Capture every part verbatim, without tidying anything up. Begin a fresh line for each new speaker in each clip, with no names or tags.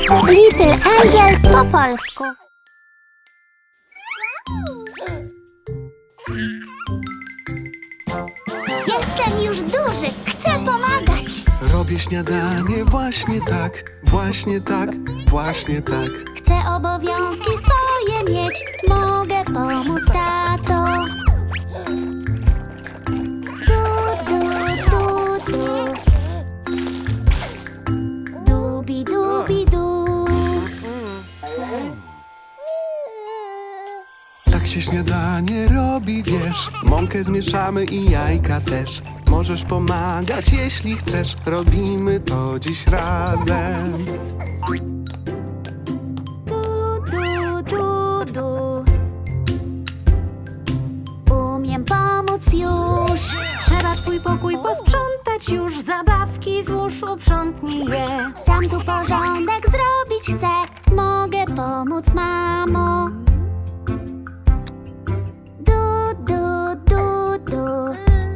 Little Angel po polsku. Jestem już duży, chcę pomagać.
Robię śniadanie właśnie tak, właśnie tak, właśnie tak.
Chcę obowiązki swoje mieć, mogę pomóc, tato. Du, du, du, du. Dubi, dubi, du.
Tak się śniadanie robi, wiesz. Mąkę zmieszamy i jajka też. Możesz pomagać, jeśli chcesz. Robimy to dziś razem.
Du, du, du, du. Umiem pomóc już.
Trzeba twój pokój posprzątać już. Zabawki złóż, uprzątnij je.
Sam tu porządek zrobić chcę. Mogę pomóc, mamo. Du, du, du, du.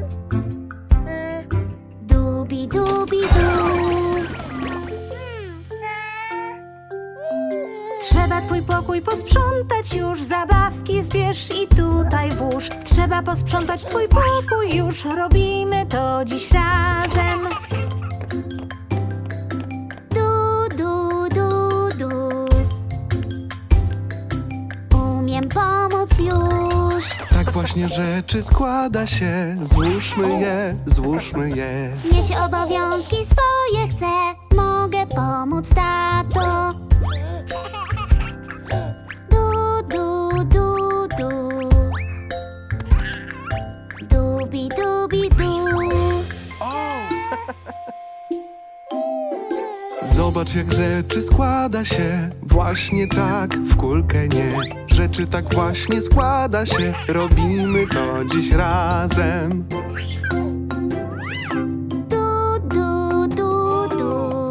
Dubi, dubi, du.
Trzeba twój pokój posprzątać już. Zabawki zbierz i tutaj włóż. Trzeba posprzątać twój pokój już. Robimy to dziś razem.
Du, du, du, du. Umiem pomóc już.
Tak właśnie rzeczy składa się. Złóżmy je, złóżmy je.
Mieć obowiązki swoje chcę. Mogę pomóc, tato. Du, du, du, du. Dubi, dubi, du.
Zobacz, jak rzeczy składa się. Właśnie tak, w kulkę nie. Rzeczy tak właśnie składa się. Robimy to dziś razem.
Du, du, du, du.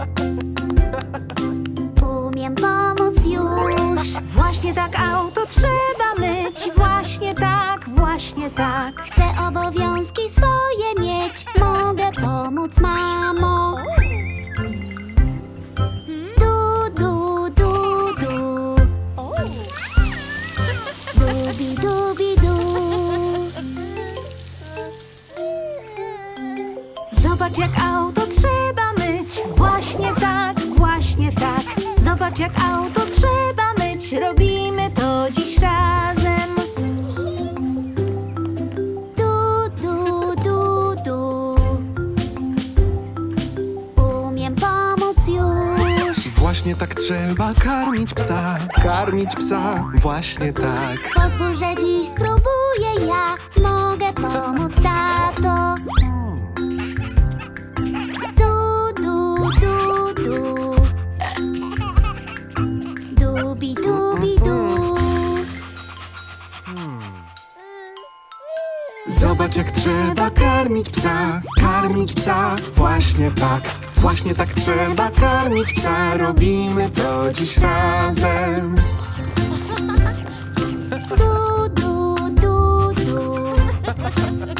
Umiem pomóc już.
Właśnie tak auto trzeba myć. Właśnie tak, właśnie tak.
Chcę obowiązki swoje mieć. Mogę pomóc, mamo. Du, du, du, du. Dubi, dubi, du.
Zobacz, jak auto trzeba myć. Właśnie tak, właśnie tak. Zobacz, jak auto trzeba myć. Robimy to dziś razem.
Du, du, du, du. Umiem pomóc już.
Właśnie tak trzeba karmić psa. Karmić psa, właśnie tak.
Pozwól, że dziś spróbuję ja. Mogę pomóc, tato. Du, du, du, du. Dubi, dubi, du.
Zobacz, jak trzeba karmić psa. Karmić psa, właśnie tak. Właśnie tak trzeba karmić psa. Robimy to dziś razem.
Du, du, du, du.